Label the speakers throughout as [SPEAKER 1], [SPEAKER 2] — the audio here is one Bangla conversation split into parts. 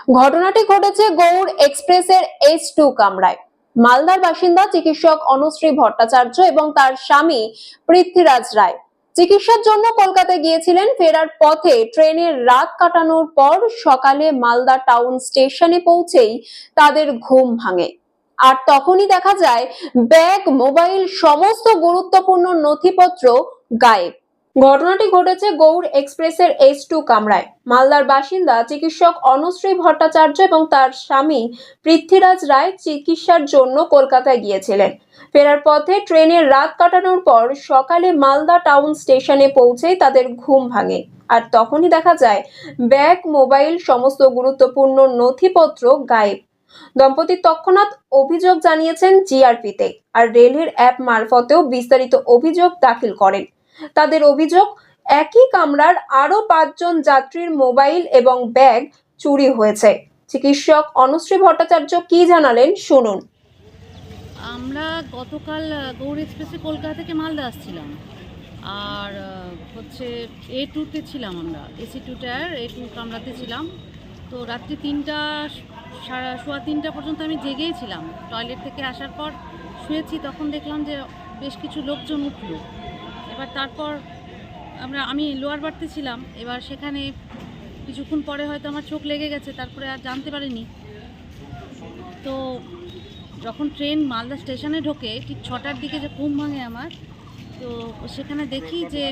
[SPEAKER 1] ঘটনাটি ঘটেছে গৌড় এক্সপ্রেসের S2 কামরায়। মালদার বাসিন্দা চিকিৎসক অনুশ্রী ভট্টাচার্য এবং তার স্বামী পৃথ্বীরাজ রায় চিকিৎসার জন্য কলকাতায় গিয়েছিলেন। ফেরার পথে ট্রেনের রাত কাটানোর পর সকালে মালদা টাউন স্টেশনে পৌঁছেই তাদের ঘুম ভাঙে। আর তখনই দেখা যায় ব্যাগ, মোবাইল, সমস্ত গুরুত্বপূর্ণ নথিপত্র গায়েব। ঘটনাটি ঘটেছে গৌড় এক্সপ্রেসের S2 কামরায়। মালদার বাসিন্দা চিকিৎসক অনুশ্রী ভট্টাচার্য এবং তার স্বামী পৃথ্বীরাজ রায় চিকিৎসার জন্য কলকাতায় গিয়েছিলেন। ফেরার পথে ট্রেনের রাত কাটানোর পর সকালে মালদা টাউন স্টেশনে পৌঁছেই তাদের ঘুম ভাঙে। আর তখনই দেখা যায় ব্যাগ, মোবাইল, সমস্ত গুরুত্বপূর্ণ নথিপত্র গায়েব। দম্পতি তৎক্ষণাৎ অভিযোগ জানিয়েছেন জিআরপিতে, আর রেলের অ্যাপ মারফতেও বিস্তারিত অভিযোগ দাখিল করেন। তাদের অভিযোগ, একই কামরার আরো 5 জন যাত্রীর মোবাইল এবং ব্যাগ চুরি হয়েছে। চিকিৎসক অনুশ্রী ভট্টাচার্য কি জানালেন শুনুন।
[SPEAKER 2] আমরা গতকাল গৌড় এক্সপ্রেসে কলকাতা থেকে মালদা আসছিলাম, আর হচ্ছে A2-তে ছিলাম, আমরা AC2 টায়ার A2 কামরাতে ছিলাম। তো রাত্রি 3টা, সোয়া 3টা পর্যন্ত আমি জেগেই ছিলাম। টয়লেট থেকে আসার পর শুয়েছি, তখন দেখলাম যে বেশ কিছু লোকজন উঠলো। এবার তারপর আমি লোয়ার বার্থে ছিলাম। এবার সেখানে কিছুক্ষণ পরে হয়তো আমার চোখ লেগে গেছে, তারপরে আর জানতে পারিনি। তো যখন ট্রেন মালদা স্টেশনে ঢোকে ঠিক 6টার দিকে যে ঘুম ভাঙে আমার, তো সেখানে দেখি যে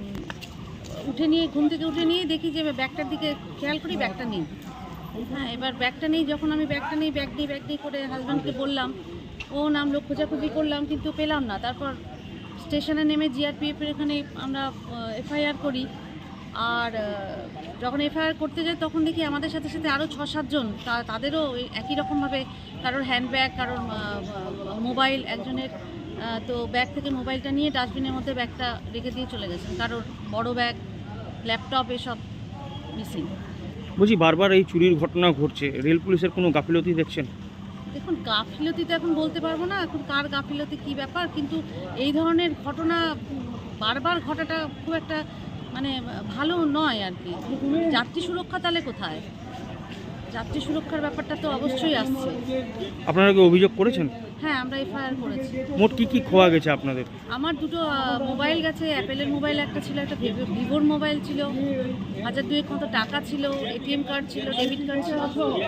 [SPEAKER 2] ঘুম থেকে উঠে নিয়ে দেখি যে ব্যাগটার দিকে খেয়াল করি, ব্যাগটা নেই। হ্যাঁ, এবার ব্যাগটা নেই। যখন আমি ব্যাগ নেই করে হাজব্যান্ডকে বললাম, ও নামলো, খোঁজাখুঁজি করলাম কিন্তু পেলাম না। তারপর স্টেশনে নেমে জিআরপিএফের এখানে আমরা FIR করি। আর যখন FIR করতে যাই তখন দেখি আমাদের সাথে সাথে আরও 6-7 জন, তাদেরও একই রকমভাবে, কারোর হ্যান্ডব্যাগ, কারোর মোবাইল, একজনের তো ব্যাগ থেকে মোবাইলটা নিয়ে ডাস্টবিনের মধ্যে ব্যাগটা রেখে দিয়ে চলে গেছেন। কারোর বড় ব্যাগ, ল্যাপটপ এসব মিসিং।
[SPEAKER 3] বলছি, বারবার এই চুরির ঘটনা ঘটছে, রেল পুলিশের কোনো গাফিলতি দেখছেন?
[SPEAKER 2] দেখুন, গাফিলতি তো এখন বলতে পারবো না, এখন কার গাফিলতি কী ব্যাপার, কিন্তু এই ধরনের ঘটনা বারবার ঘটাটা খুব একটা ভালো নয় আর কি। যাত্রী সুরক্ষা তাহলে কোথায়? যাত্রী সুরক্ষার ব্যাপারটা তো অবশ্যই আসছে।
[SPEAKER 3] আপনারা কি অভিযোগ করেছেন?
[SPEAKER 2] হ্যাঁ, আমরা FIR করেছি।
[SPEAKER 3] মোট কি খোয়া গেছে আপনাদের?
[SPEAKER 2] আমার 2টো মোবাইল গেছে। অ্যাপেলের মোবাইল একটা ছিল, একটা ভিভোর মোবাইল ছিল, 1000-2 মতো টাকা ছিল, ATM কার্ড ছিল, ডেবিট কার্ড ছিল।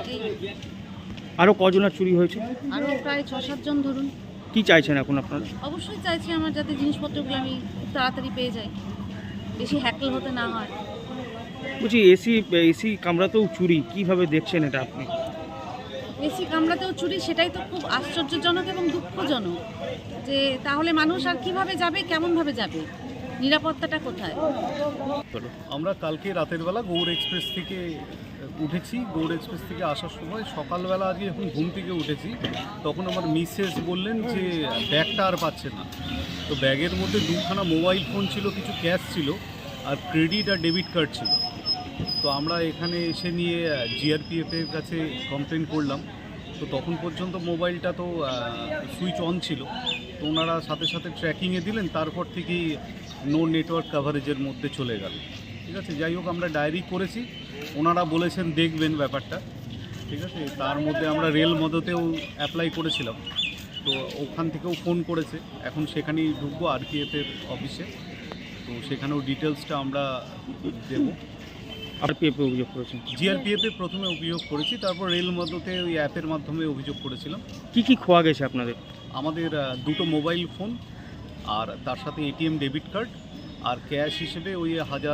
[SPEAKER 3] আরও কজনের চুরি হয়েছে?
[SPEAKER 2] আরও প্রায় 6-7 জন ধরুন।
[SPEAKER 3] কি চাইছেন এখন আপনারা?
[SPEAKER 2] অবশ্যই চাইছি আমার যাতে জিনিসপত্রগুলো আমি খুব তাড়াতাড়ি পেয়ে যাই, বেশি হ্যাকল হতে না হয়।
[SPEAKER 3] বলছি, এসি কামরাতেও চুরি, কিভাবে দেখছেন এটা আপনি?
[SPEAKER 2] এসি কামরাতেও চুরি, সেটাই তো খুব আশ্চর্যজনক এবং দুঃখজনক। যে তাহলে মানুষ আর কিভাবে যাবে, কেমনভাবে যাবে, নিরাপত্তাটা কোথায়?
[SPEAKER 4] আমরা কালকে রাতের বেলা গৌড় এক্সপ্রেস থেকে উঠেছি। গৌড় এক্সপ্রেস থেকে আসার সময় সকালবেলা আজকে যখন ঘুম থেকে উঠেছি তখন আমার মিসেস বললেন যে ব্যাগটা আর পাচ্ছে না। তো ব্যাগের মধ্যে 2খানা মোবাইল ফোন ছিল, কিছু ক্যাশ ছিল, আর ক্রেডিট আর ডেবিট কার্ড ছিল। তো আমরা এখানে এসে নিয়ে জিআরপিএফের কাছে কমপ্লেন করলাম। তো তখন পর্যন্ত মোবাইলটা তো সুইচ অন ছিল, তো ওনারা সাথে সাথে ট্র্যাকিংয়ে দিলেন। তারপর থেকেই নো নেটওয়ার্ক কাভারেজের মধ্যে চলে গেল। ঠিক আছে, যাই হোক, আমরা ডায়েরি করেছি, ওনারা বলেছেন দেখবেন ব্যাপারটা। ঠিক আছে, তার মধ্যে আমরা রেল মদতেও অ্যাপ্লাই করেছিলাম, তো ওখান থেকেও ফোন করেছে। এখন সেখানেই ঢুকবো RPF-এর অফিসে, তো সেখানেও ডিটেলসটা আমরা দেব।
[SPEAKER 3] RPF-এ অভিযোগ করেছেন?
[SPEAKER 4] জিআরপিএফে প্রথমে অভিযোগ করেছি, তারপর রেল মদতে ওই অ্যাপের মাধ্যমে অভিযোগ করেছিলাম।
[SPEAKER 3] কি খোয়া গেছে আপনাদের?
[SPEAKER 4] আমাদের 2টো মোবাইল ফোন, আর তার সাথে ATM ডেবিট কার্ড, আর ক্যাশ হিসেবে ওই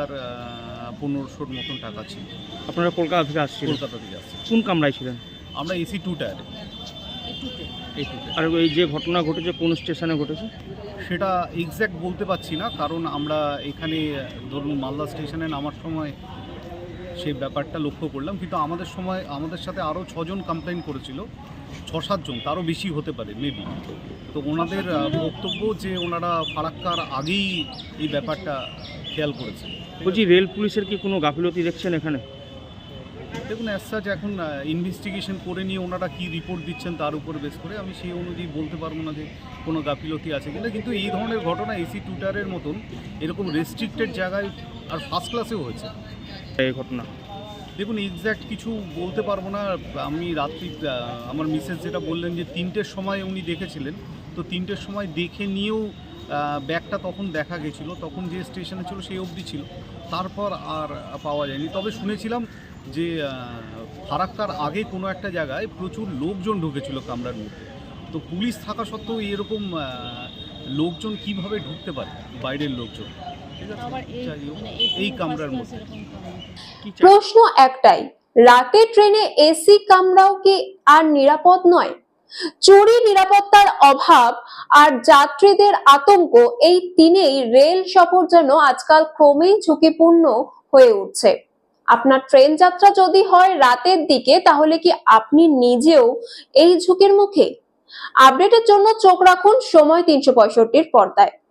[SPEAKER 4] 1500-র মতন টাকা ছিল।
[SPEAKER 3] আপনারা কলকাতা থেকে আসছিলেন?
[SPEAKER 4] কলকাতা থেকে আসছি।
[SPEAKER 3] কোন কামরায় ছিলেন?
[SPEAKER 4] আমরা AC2 টায়ারে।
[SPEAKER 3] আর এই যে ঘটনা ঘটেছে কোন স্টেশনে ঘটেছে
[SPEAKER 4] সেটা এক্স্যাক্ট বলতে পারছি না, কারণ আমরা এখানে ধরুন মালদা স্টেশনে নামার সময় সেই ব্যাপারটা লক্ষ্য করলাম, কিন্তু আমাদের সাথে আরও 6 জন কমপ্লেন করেছিল, 6-7 জন, তারও বেশি হতে পারে মেবি। তো ওনাদের বক্তব্য যে ওনারা ফারাক্কার আগেই এই ব্যাপারটা খেয়াল করেছে।
[SPEAKER 3] বলছি, রেল পুলিশের কি কোনো গাফিলতি দেখছেন এখানে?
[SPEAKER 4] দেখুন, অ্যাজ সাচ এখন ইনভেস্টিগেশন করে নিয়ে ওনারা কী রিপোর্ট দিচ্ছেন তার উপর বেস করে আমি সেই অনুযায়ী বলতে পারবো না যে কোনো গাফিলতি আছে কিনা। কিন্তু এই ধরনের ঘটনা AC2 টায়ারের মতন এরকম রেস্ট্রিক্টেড জায়গায় আর ফার্স্ট ক্লাসেও হয়েছে
[SPEAKER 3] এই ঘটনা।
[SPEAKER 4] দেখুন এক্স্যাক্ট কিছু বলতে পারবো না। আমি রাত্রি আমার মিসেস যেটা বললেন যে 3টের সময় উনি দেখেছিলেন, তো 3টের সময় দেখে নিয়েও ব্যাগটা তখন দেখা গেছিলো, তখন যে স্টেশনে ছিল সেই অবধি ছিল, তারপর আর পাওয়া যায়নি। তবে শুনেছিলাম যে ফারাক্কার আগে কোনো একটা জায়গায় প্রচুর লোকজন ঢুকেছিল কামরার মধ্যে। তো পুলিশ থাকা সত্ত্বেও এরকম লোকজন কিভাবে ঢুকতে পারে, বাইরের লোকজন, ঠিক আছে,
[SPEAKER 2] আবার
[SPEAKER 4] যাই হোক,
[SPEAKER 2] মানে
[SPEAKER 4] এই কামরার মধ্যে।
[SPEAKER 3] কি চাই-
[SPEAKER 1] প্রশ্ন একটাই, রাতে ট্রেনে এসি কামরাও কি আর নিরাপদ নয়? চুরি, নিরাপত্তার অভাব আর যাত্রীদের আতঙ্ক, এই তিনেই রেল সফর যেন আজকাল ক্রমেই ঝুঁকিপূর্ণ হয়ে উঠছে। আপনার ট্রেন যাত্রা যদি হয় রাতের দিকে, তাহলে কি আপনি নিজেও এই ঝুঁকির মুখে? আপডেটের জন্য চোখ রাখুন সময় 365 পর্দায়।